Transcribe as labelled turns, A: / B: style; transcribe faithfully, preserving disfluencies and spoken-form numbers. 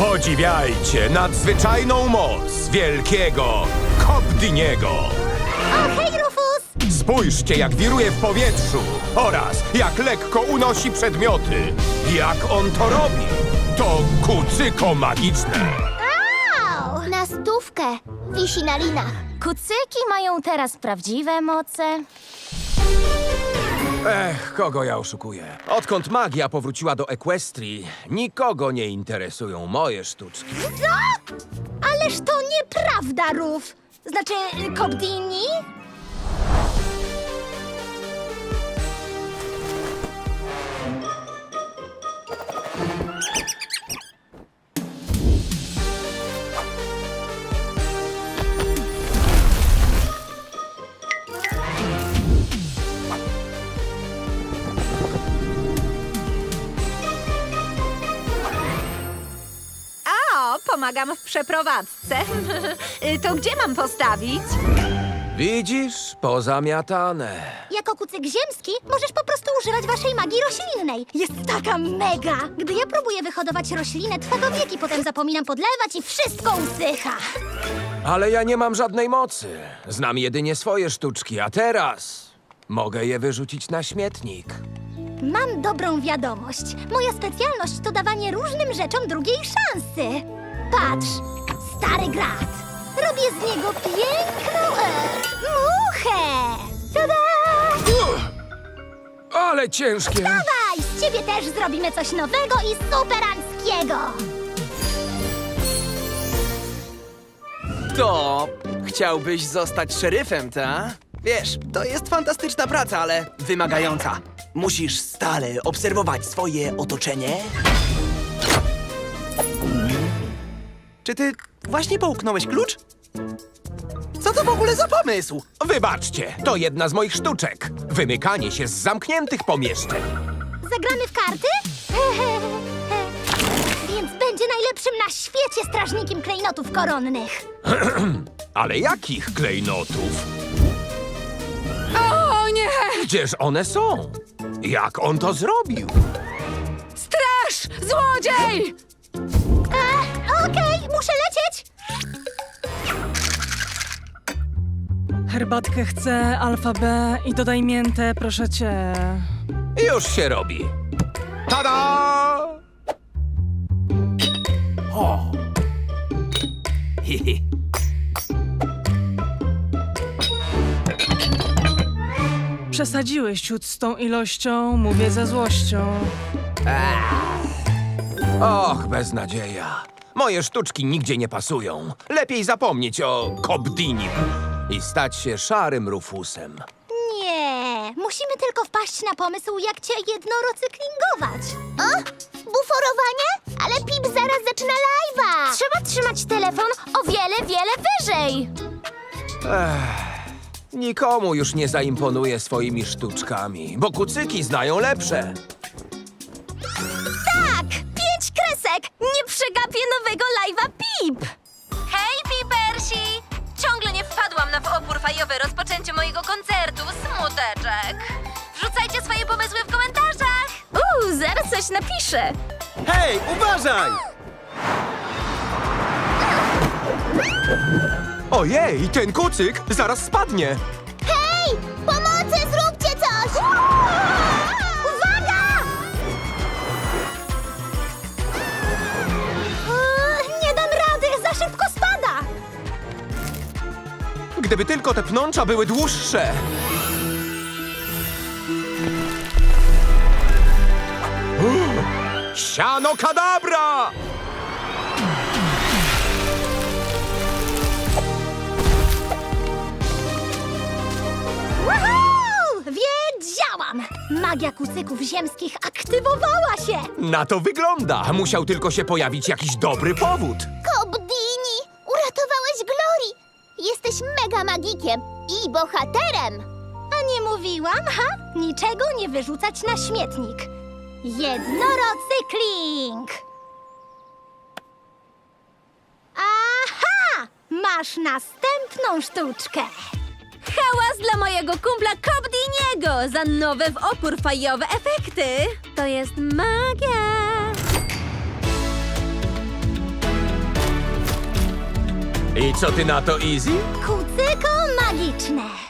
A: Podziwiajcie nadzwyczajną moc wielkiego Kobdiniego!
B: O, hej, Rufus!
A: Spójrzcie, jak wiruje w powietrzu oraz jak lekko unosi przedmioty. Jak on to robi? To kucyko magiczne.
B: Au! Na stówkę. Wisi na linach.
C: Kucyki mają teraz prawdziwe moce.
A: Ech, kogo ja oszukuję? Odkąd magia powróciła do Equestrii, nikogo nie interesują moje sztuczki.
B: Co? Ależ to nieprawda, Ruf. Znaczy, Kobdini?
D: O, pomagam w przeprowadzce. To gdzie mam postawić?
A: Widzisz? Pozamiatane.
B: Jako kucyk ziemski możesz po prostu używać waszej magii roślinnej. Jest taka mega! Gdy ja próbuję wyhodować roślinę, trwa to wieki, potem zapominam podlewać i wszystko usycha.
A: Ale ja nie mam żadnej mocy. Znam jedynie swoje sztuczki, a teraz mogę je wyrzucić na śmietnik.
B: Mam dobrą wiadomość. Moja specjalność to dawanie różnym rzeczom drugiej szansy. Patrz, stary grat. Robię z niego piękną e, muchę. Tada!
A: Ale ciężkie!
B: Dawaj, z ciebie też zrobimy coś nowego i superanckiego.
E: To chciałbyś zostać szeryfem, ta? Wiesz, to jest fantastyczna praca, ale wymagająca. Musisz stale obserwować swoje otoczenie. Czy ty właśnie połknąłeś klucz? Co to w ogóle za pomysł?
A: Wybaczcie, to jedna z moich sztuczek. Wymykanie się z zamkniętych pomieszczeń.
B: Zagramy w karty? Więc będzie najlepszym na świecie strażnikiem klejnotów koronnych.
A: Ale jakich klejnotów?
D: O nie!
A: Gdzież one są? Jak on to zrobił?
D: Straż! Złodziej!
B: E, Okej, muszę lecieć.
F: Herbatkę chcę, alfa B i dodaj miętę, proszę cię.
A: Już się robi. Tada!
E: O! Hihi.
F: Przesadziłeś ciut z tą ilością, mówię ze złością.
A: Och, beznadzieja. Moje sztuczki nigdzie nie pasują. Lepiej zapomnieć o Kobdinim i stać się szarym Rufusem.
B: Nie, musimy tylko wpaść na pomysł, jak cię jednorocyklingować. O, buforowanie? Ale Pip zaraz zaczyna live'a.
C: Trzeba trzymać telefon o wiele, wiele wyżej.
A: Nikomu już nie zaimponuje swoimi sztuczkami, bo kucyki znają lepsze.
C: Tak! Pięć kresek! Nie przegapię nowego live'a Pip! Hej, Pipersi! Ciągle nie wpadłam na w opór fajowy rozpoczęciu mojego koncertu. Smuteczek. Wrzucajcie swoje pomysły w komentarzach! Uuu, zaraz coś napiszę.
E: Hej, uważaj!
A: Ojej, ten kucyk zaraz spadnie.
B: Hej, pomocy, zróbcie coś! Uwaga! Eee, Nie dam rady, za szybko spada.
A: Gdyby tylko te pnącza były dłuższe. Siano kadabra!
B: Woohoo! Wiedziałam! Magia kucyków ziemskich aktywowała się!
A: Na to wygląda. Musiał tylko się pojawić jakiś dobry powód.
B: Kobdini, uratowałeś Glory! Jesteś mega magikiem i bohaterem! A nie mówiłam, ha? Niczego nie wyrzucać na śmietnik. Jednorocykling! Aha! Masz następną sztuczkę!
C: Hałas dla mojego kumpla Kobdiniego za nowe w opór fajowe efekty. To jest magia.
A: I co ty na to, Easy?
B: Kucyko magiczne.